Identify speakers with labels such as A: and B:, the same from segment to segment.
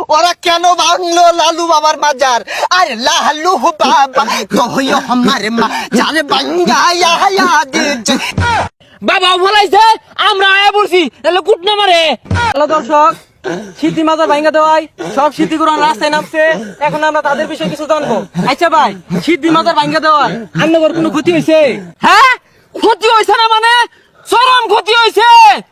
A: ওরা কেন ভাঙলো লালু বাবার মাজার? আরে লালু বাবা কহিও আমার মা যার ভাঙ্গায়া দিয়েছে।
B: বাবা ফলাইছে, আমরা আয়া পড়ছি, এলো কুটনা মারে।
C: হ্যালো দর্শক, সিদ্ধি মাজার ভাঙ্গা দেওয়ায় সব সিদ্ধিগুলো রাস্তায় নামছে। এখন আমরা তাদের বিষয়ে কিছু জানবো। আচ্ছা ভাই, সিদ্ধি মাজার ভাঙ্গা দেওয়ায় আপনার কোনো ক্ষতি হয়েছে?
B: হ্যাঁ, ক্ষতি হয়েছে না মানে চরম ক্ষতি হয়েছে।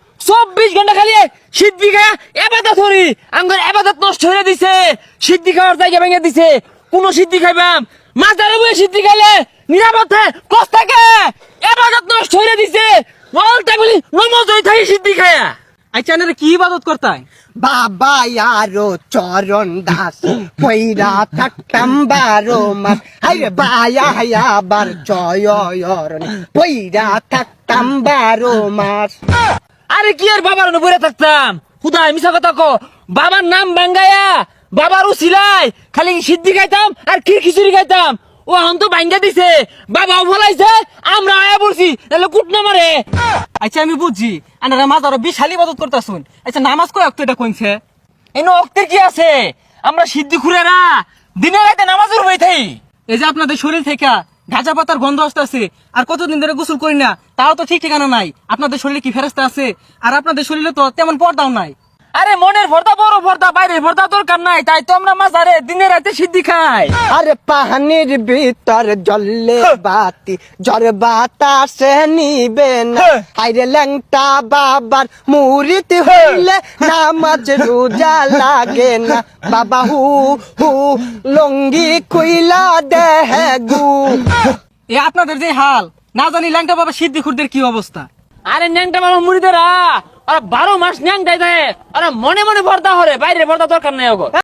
B: 24 ঘন্টা খালি সিদ্ধি খায়া এবাদত করি, আমার এবাদত নষ্ট হয়ে দিছে। সিদ্ধি খাওয়ার জায়গা ভেঙে দিছে। কোন সিদ্ধি খাইবাম? মাজারে বসে সিদ্ধি খাইলে নিরাপদ কষ্ট থাকে, এবাদত নষ্ট হয়ে দিছে। বলতে বলি নমজ হয়ে থাকি সিদ্ধি খায়া।
C: আচ্ছা আপনারা কি ইবাদত করতাই?
A: বাবা আরো চরণ দাস পয়রা থাকতাম 12 মাস। আরে বায়া আবার চয়রণ পয়রা থাকতাম 12 মাস।
B: আরে কি আর বাবার উপরে থাকতাম? খুদাই মিছা কথা কো। বাবার নাম ভাঙ্গায়া বাবার উছিলাই খালি সিদ্ধি খাইতাম আর খিচুড়ি খাইতাম। ও এখন তো ভাঙ্গা দিছে, বাবাও ফলাইছে, আমরা আয়া পড়ছি, এলো কুটনা মারে।
C: আচ্ছা আমি বুঝছি, আপনারা মাজারও বিশাল ইবাদত করতেছুন। আচ্ছা নামাজ কয় ওয়াক্ত এটা কইছে?
B: এনো অক্তের কি আছে? আমরা সিদ্ধি খুঁড়েরা দিনে রাতে নামাজের বই থাই।
C: এই যে আপনাদের শরীর থেকে গাঁজা পাতার গন্ধ আসতেছে, আর কতদিন ধরে গোসল করি না, তাও তো ঠিক ঠিকানা নাই। আপনাদের শরীরে কি ফেরেস্তা আছে? আর আপনাদের শরীরে তো তেমন পর্দাও নাই।
B: আরে মনের ভর্তা বড় ভর্তা, বাইরের ভর্তা দরকার নাই, তাই তো আমরা মাজারে দিনে রাতে সিদ্ধি খাই।
A: আরে পাহানির ভিতর জ্বললে বাতি জ্বর বাতাসে নিবে না। আরে ল্যাংটা বাবার মুরিদ হইলে নামাজ রোজা লাগে না। বাবা হু হু লঙ্গি কইলা দেহ গু।
C: এ আপনাদের যে হাল, না জানি ল্যাংটা বাবা সিদ্ধি খুরদের কি অবস্থা।
B: আরে ন্যাংটা বাবা মুড়িদেরা ওরা 12 মাস ন্যাংটাই দেয়, ওরা মনে মনে ভর্তা হরে, বাইরের ভর্তা দরকার নাই ওগো।